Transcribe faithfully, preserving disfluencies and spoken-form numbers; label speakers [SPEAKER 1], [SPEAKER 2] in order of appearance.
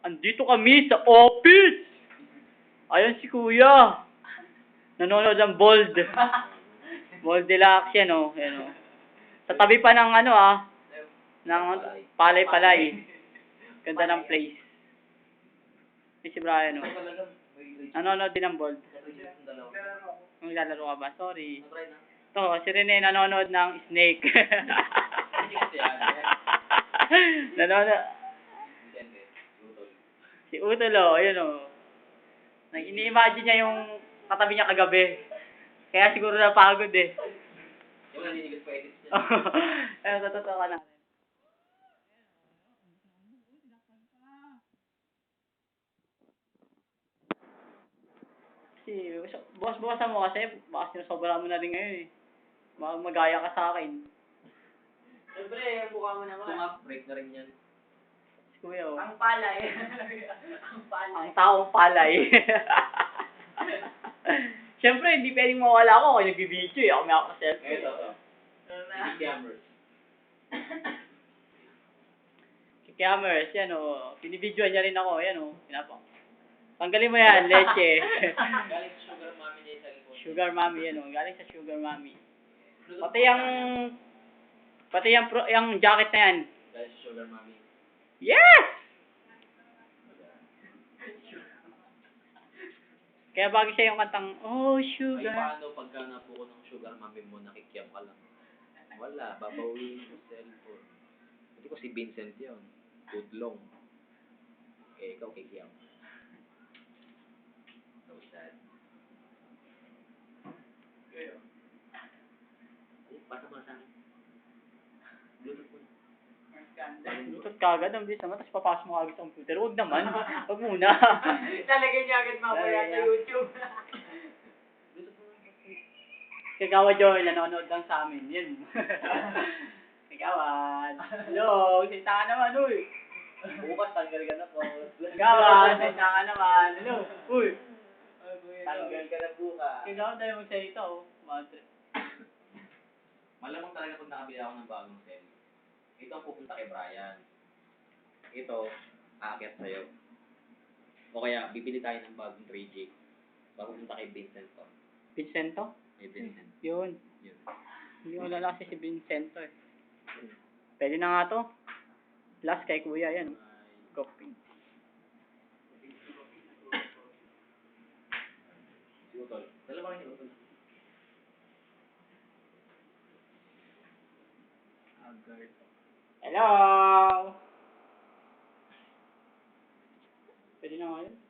[SPEAKER 1] Andito kami sa office! Ayun si Kuya. Nanonood ng Bold. Bold Deluxe yan, oh. Yan, oh. Sa tabi pa ng ano, ah. Ng palay-palay. Ganda ng place. Ay, si Brian, oh. Nanonood din ng Bold. Ang lalaro ka ba? Sorry. Ito, si Rene nanonood ng Snake. Nanonood. Si Utol, oh, ayun, oh. Ini-imagine niya yung katabi niya kagabi. Kaya siguro napagod, eh.
[SPEAKER 2] Yung naninigas pa edits niya.
[SPEAKER 1] Ayun, totoo ka natin. Kasi, bukas-bukasan mo kasi, baka sinasobra mo na rin ngayon, eh. Baka magaya ka sa akin.
[SPEAKER 3] Siyempre, ang mukha mo naman.
[SPEAKER 2] Ito nga, break na rin yan.
[SPEAKER 1] Kuya, oh.
[SPEAKER 3] Ang palay. Ang palay.
[SPEAKER 1] Ang taong palay. Siyempre, hindi pwedeng mawala ako kung nagbibideo, eh. Ako may ako sa cellphone.
[SPEAKER 2] Ito, ito. Cameras.
[SPEAKER 1] Si Cameras, yan, oh. Pinibidyoan niya rin ako, yan, oh. Pinapa. Tanggalin mo yan, leche.
[SPEAKER 2] Galing sa sugar mommy niya sa likod.
[SPEAKER 1] Sugar mommy, yan, oh. Galing sa sugar mommy. Pati yung, pati yung, pro, yung jacket na yan.
[SPEAKER 2] Galing sa sugar mommy.
[SPEAKER 1] Yes! Kaya bagay siya yung kantang, oh,
[SPEAKER 2] Ay,
[SPEAKER 1] sugar.
[SPEAKER 2] paano pagka napuko ng sugar mommy mo, nakikiyam ka lang? Wala, babawiin mo sa cellphone. Hindi ko si Vincent yun. Tudlong. Eh, ikaw kikiyam. So sad. Kayo. Ay, pasa mo na sa akin. Bluetooth mo na.
[SPEAKER 1] Lutot ka agad, ang bilis naman, tapos papasok mo agad sa computer. Huwag naman, huwag muna.
[SPEAKER 3] Talagay niya agad mamaya sa YouTube.
[SPEAKER 1] Kagawa Joy, nanonood lang sa amin. Yan. Kagawan. Hello, salita ka naman, uy.
[SPEAKER 2] Bukas, tanggal ka na po.
[SPEAKER 1] Kagawan, salita ka naman. Hello, uy.
[SPEAKER 2] Tanggal ka na bukas.
[SPEAKER 1] Kagawan tayo magsalita, oh. Madre.
[SPEAKER 2] Malamang talaga kung nakabili ako ng bagong cell. Ito ang pupunta kay Brian. Ito, aakyat sa'yo. O kaya, bibili tayo ng bagong three G. Bago pupunta kay Vincent to.
[SPEAKER 1] Vincento?
[SPEAKER 2] Kay Vincent.
[SPEAKER 1] Yun.
[SPEAKER 2] Yun.
[SPEAKER 1] Hindi ko lala kasi si Vincento, eh. Pwede na nga to. Last kay Kuya, yan. Copy.
[SPEAKER 2] Si Utol. Dalawa kayo ni Utol. Agard.
[SPEAKER 1] Hello! Pwede na nga yun.